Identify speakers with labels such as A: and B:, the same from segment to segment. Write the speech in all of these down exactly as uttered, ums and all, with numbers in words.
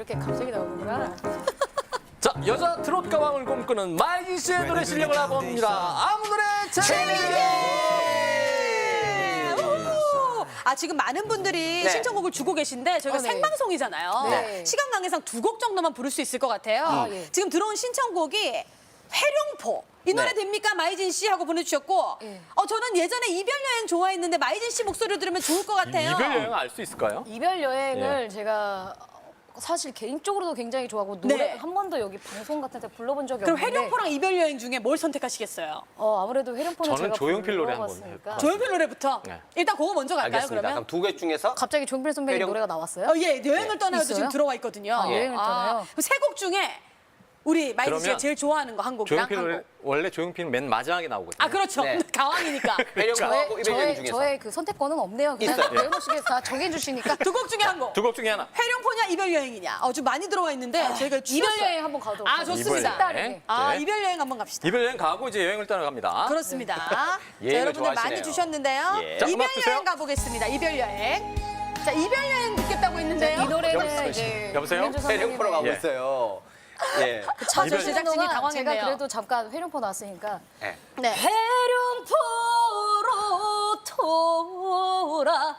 A: 이렇게 갑자기 나오는구나.
B: 자, 여자 트롯 가왕을 꿈꾸는 마이진 씨의 노래 실력을 알아봅니다. 아무 노래 재미있게!
C: 아 지금 많은 분들이
D: 네.
C: 신청곡을 주고 계신데 저희가
A: 어, 네.
C: 생방송이잖아요.
A: 네.
C: 시간 관계상 두 곡 정도만 부를 수 있을 것 같아요.
A: 아, 예.
C: 지금 들어온 신청곡이 회룡포. 이 노래
D: 네.
C: 됩니까? 마이진 씨 하고 보내주셨고
A: 예.
C: 어 저는 예전에 이별 여행 좋아했는데 마이진 씨 목소리를 들으면 좋을 것 같아요.
B: 이별 여행 알 수 있을까요?
A: 이별 여행을
B: 예.
A: 제가 사실 개인적으로도 굉장히 좋아하고 노래
C: 네.
A: 한 번도 여기 방송 같은 데 불러본 적이
C: 그럼
A: 없는데
C: 회룡포랑 이별 여행 중에 뭘 선택하시겠어요?
A: 어, 아무래도 회룡포는
B: 저는
A: 제가
B: 조용필 노래 한번
A: 불러봤으니까.
B: 해볼까요?
C: 조용필 노래부터
B: 네.
C: 일단 그거 먼저 갈까요?
D: 알겠습니다.
C: 그러면?
D: 그럼 두 개 중에서
A: 갑자기 조용필 선배님
D: 회룡-
A: 노래가 나왔어요?
C: 어, 예, 여행을 떠나요도
A: 있어요?
C: 지금 들어와 있거든요.
A: 아, 여행을 떠나요?
C: 세 곡 중에 우리 마이진 씨가
B: 그러면
C: 제일 좋아하는 거 한 곡이랑
B: 조용필
C: 한
B: 노래,
C: 곡.
B: 원래 조용필은 맨 마지막에 나오거든요.
C: 아 그렇죠.
D: 네.
C: 가왕이니까.
D: 회룡포하고 이별 여행
A: 저의,
D: 중에서
A: 저의 그 선택권은 없네요. 그냥
D: 있어요.
A: 배우씨께서 다 정해주시니까
C: 두 곡 중에 한 곡.
B: 두 곡 중에 하나.
C: 회룡포냐 이별 여행이냐. 어, 좀 많이 들어와 있는데 저희가
A: 이별
C: 줄였어요.
A: 여행 한번 가도록
C: 아,
A: 하겠습니다.
C: 좋습니다.
B: 이별 여행.
A: 딸이.
C: 아
B: 네.
C: 이별 여행 한번 갑시다.
B: 이별 여행 가고 이제 여행을 떠나갑니다.
C: 그렇습니다. 자,
D: 여행을
C: 여러분들 많이
D: 좋아하시네요.
C: 주셨는데요.
D: 예.
B: 자,
C: 이별
B: 음악 주세요.
C: 여행 가보겠습니다. 이별 여행. 자 이별 여행 듣겠다고 했는데요.
A: 이 노래는
B: 여보세요?
A: 이제
B: 여보세요?
A: 김현주 선생님의
D: 회룡포로 가고
B: 예.
D: 있어요. 예.
A: 차
B: 이별-
A: 제작진이
C: 제작진이
A: 동안
C: 당황했네요.
A: 제가 그래도 잠깐 회룡포 나왔으니까
D: 예.
C: 네.
A: 회룡포로 돌아가련다.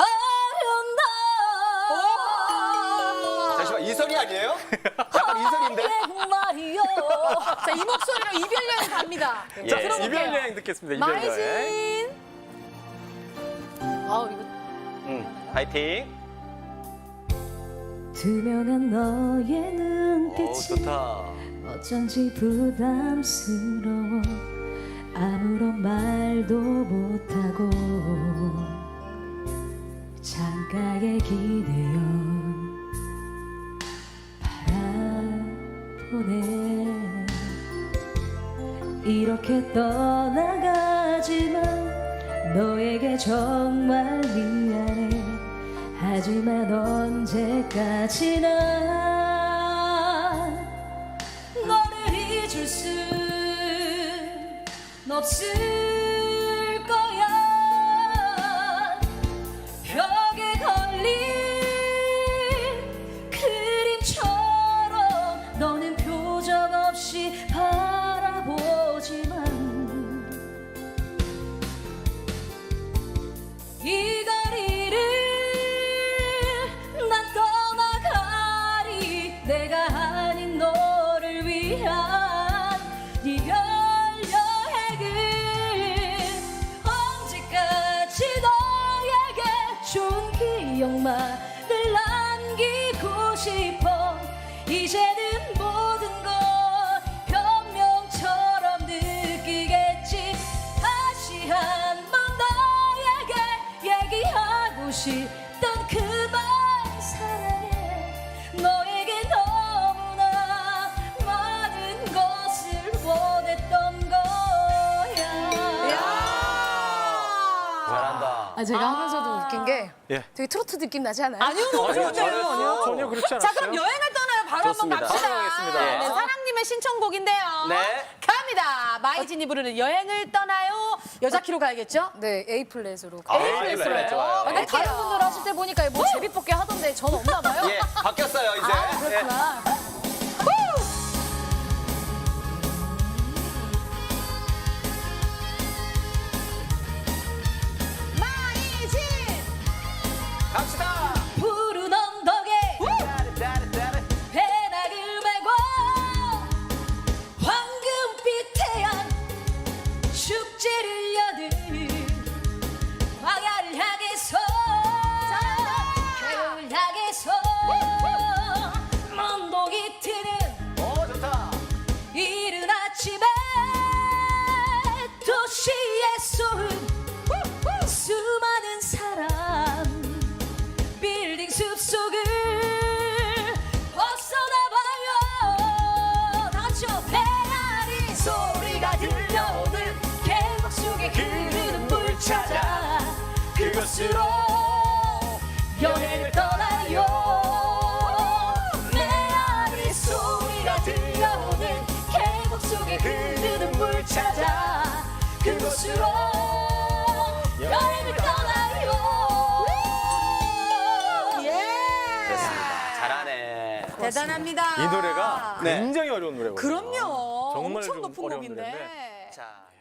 D: 잠시만 이선이 아니에요? 약간 이선인데.
A: 말이요.
C: 자 이 목소리로 이별 여행 갑니다.
D: 예.
B: 자,
C: 들어볼게요.
B: 이별 여행 듣겠습니다. 이별 여행.
C: 마이진.
A: 아우 이거
D: 음, 파이팅.
E: 투명한 너의
D: 오
E: 눈빛이
D: 좋다.
E: 어쩐지 부담스러워 아무런 말도 못하고 창가에 기대어 바라보네. 이렇게 떠나가지만 너에게 정말 미안해. 하지만 언제까지나 너를 잊을 순 없을 거야. 벽에 걸린 그림처럼 너는 표정 없이 바라보지만 이 거리를 난 떠나가리. 내가 아닌 너를 위한 이별 여행을 언제까지 너에게 좋은 기억만을 남기고 싶어. 이제는 모든 걸 변명처럼 느끼겠지. 다시 한번 너에게 얘기하고 싶던 그 말 사랑해. 너에게 너무나 많은 것을 원했던 거야.
D: 잘한다.
A: 아 제가 하면서도 웃긴 게
B: 예.
A: 되게 트로트 느낌 나지 않아요?
C: 아니요 너무
B: 아니요,
C: 좋은데요.
B: 전혀, 전혀 그렇지 않았어요.
C: 자 그럼 여행을 떠나요. 바로
D: 좋습니다.
C: 한번 갑시다.
B: 바로 가겠습니다.
C: 네, 사랑님의 신청곡인데요.
D: 네.
C: 갑니다. 마이진이 부르는 여행을 떠나요. 여자 키로 가야겠죠?
A: 네 A 플랫으로.
D: 아, A 플랫 좋아요.
A: 근데 다른 분들 하실 때 보니까 뭐 제비 뽑기 하던데 전 없나 봐요.
D: 예, 바뀌었어요 이제.
A: 아
D: 예.
A: 그렇구나.
C: 마이진.
D: 갑시다.
E: 푸른 언덕에 배낭을 메고 황금빛 태양 축제를 여는 광야를 향해서 겨울 향해서 먼독이 트는
D: 오 좋다.
E: 이른 아침에 도시의 소음 수많은 사람 빌딩 숲속을 벗어나봐요. 다같이요. 메아리 소리가 들려오는 계곡 속에 흐르는 물 찾아 그곳으로 여행을 떠나요. 메아리 소리가 들려오는 계곡 속에 흐르는 물 찾아 그곳으로 여행을 떠나요.
C: 예.
D: 잘하네.
C: 대단합니다.
F: 이 노래가
D: 네.
F: 굉장히 어려운 노래거든요.
C: 그럼요.
B: 정말
C: 엄청
B: 좀
C: 높은
B: 어려운
C: 곡인데.
B: 노래인데.
D: 자,